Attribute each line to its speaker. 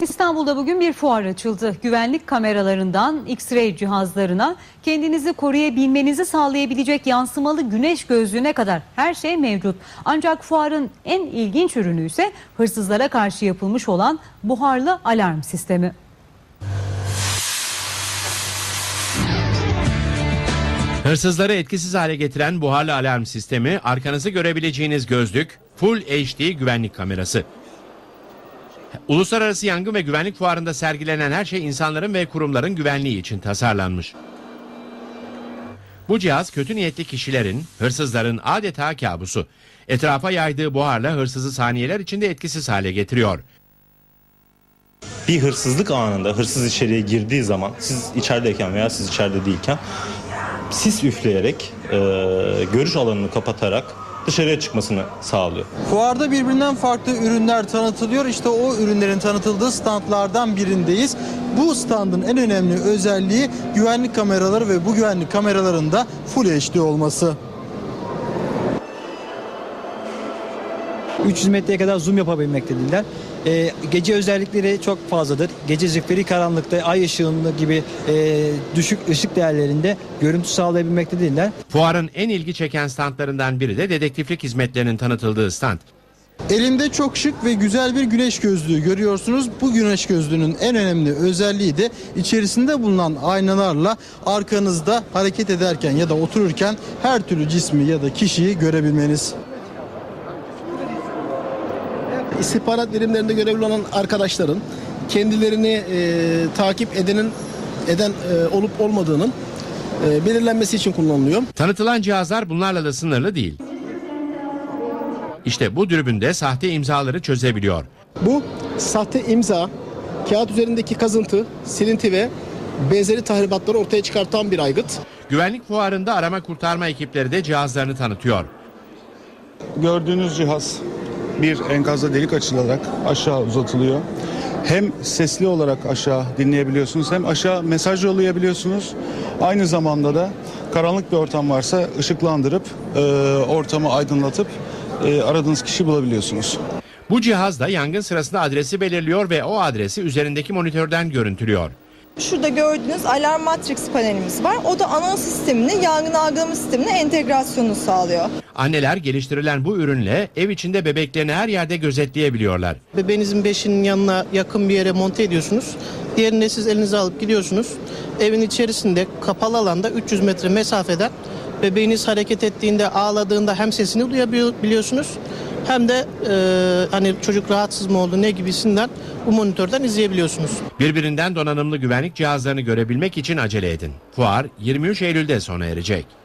Speaker 1: İstanbul'da bugün bir fuar açıldı. Güvenlik kameralarından X-ray cihazlarına kendinizi koruyabilmenizi sağlayabilecek yansımalı güneş gözlüğüne kadar her şey mevcut. Ancak fuarın en ilginç ürünü ise hırsızlara karşı yapılmış olan buharlı alarm sistemi.
Speaker 2: Hırsızları etkisiz hale getiren buharlı alarm sistemi, arkanızı görebileceğiniz gözlük, Full HD güvenlik kamerası. Uluslararası Yangın ve Güvenlik Fuarı'nda sergilenen her şey insanların ve kurumların güvenliği için tasarlanmış. Bu cihaz kötü niyetli kişilerin, hırsızların adeta kabusu. Etrafa yaydığı buharla hırsızı saniyeler içinde etkisiz hale getiriyor.
Speaker 3: Bir hırsızlık anında hırsız içeriye girdiği zaman siz içerideyken veya siz içeride değilken sis üfleyerek görüş alanını kapatarak dışarıya çıkmasını sağlıyor.
Speaker 4: Fuarda birbirinden farklı ürünler tanıtılıyor. İşte o ürünlerin tanıtıldığı standlardan birindeyiz. Bu standın en önemli özelliği güvenlik kameraları ve bu güvenlik kameraların da Full HD olması.
Speaker 5: 300 metreye kadar zoom yapabilmektedirler. Gece özellikleri çok fazladır. Gece zifiri karanlıkta ay ışığında gibi düşük ışık değerlerinde görüntü sağlayabilmektedirler.
Speaker 2: Fuarın en ilgi çeken standlarından biri de dedektiflik hizmetlerinin tanıtıldığı stand.
Speaker 4: Elimde çok şık ve güzel bir güneş gözlüğü görüyorsunuz. Bu güneş gözlüğünün en önemli özelliği de içerisinde bulunan aynalarla arkanızda hareket ederken ya da otururken her türlü cismi ya da kişiyi görebilmeniz.
Speaker 6: İstihbarat birimlerinde görevli olan arkadaşların kendilerini takip eden olup olmadığının belirlenmesi için kullanılıyor.
Speaker 2: Tanıtılan cihazlar bunlarla da sınırlı değil. İşte bu dürbünde sahte imzaları çözebiliyor.
Speaker 6: Bu sahte imza, kağıt üzerindeki kazıntı, silinti ve benzeri tahribatları ortaya çıkartan bir aygıt.
Speaker 2: Güvenlik fuarında arama kurtarma ekipleri de cihazlarını tanıtıyor.
Speaker 7: Gördüğünüz cihaz bir enkazda delik açılarak aşağı uzatılıyor. Hem sesli olarak aşağı dinleyebiliyorsunuz hem aşağı mesaj yollayabiliyorsunuz. Aynı zamanda da karanlık bir ortam varsa ışıklandırıp ortamı aydınlatıp aradığınız kişiyi bulabiliyorsunuz.
Speaker 2: Bu cihaz da yangın sırasında adresi belirliyor ve o adresi üzerindeki monitörden görüntülüyor.
Speaker 8: Şurada gördüğünüz alarm matrix panelimiz var. O da anons sistemine, yangın algılama sistemine entegrasyonu sağlıyor.
Speaker 2: Anneler geliştirilen bu ürünle ev içinde bebeklerini her yerde gözetleyebiliyorlar.
Speaker 6: Bebeğinizin beşinin yanına yakın bir yere monte ediyorsunuz. Diğerini siz elinize alıp gidiyorsunuz. Evin içerisinde kapalı alanda 300 metre mesafeden bebeğiniz hareket ettiğinde, ağladığında hem sesini duyabiliyorsunuz hem de hani çocuk rahatsız mı oldu ne gibisinden bu monitörden izleyebiliyorsunuz.
Speaker 2: Birbirinden donanımlı güvenlik cihazlarını görebilmek için acele edin. Fuar 23 Eylül'de sona erecek.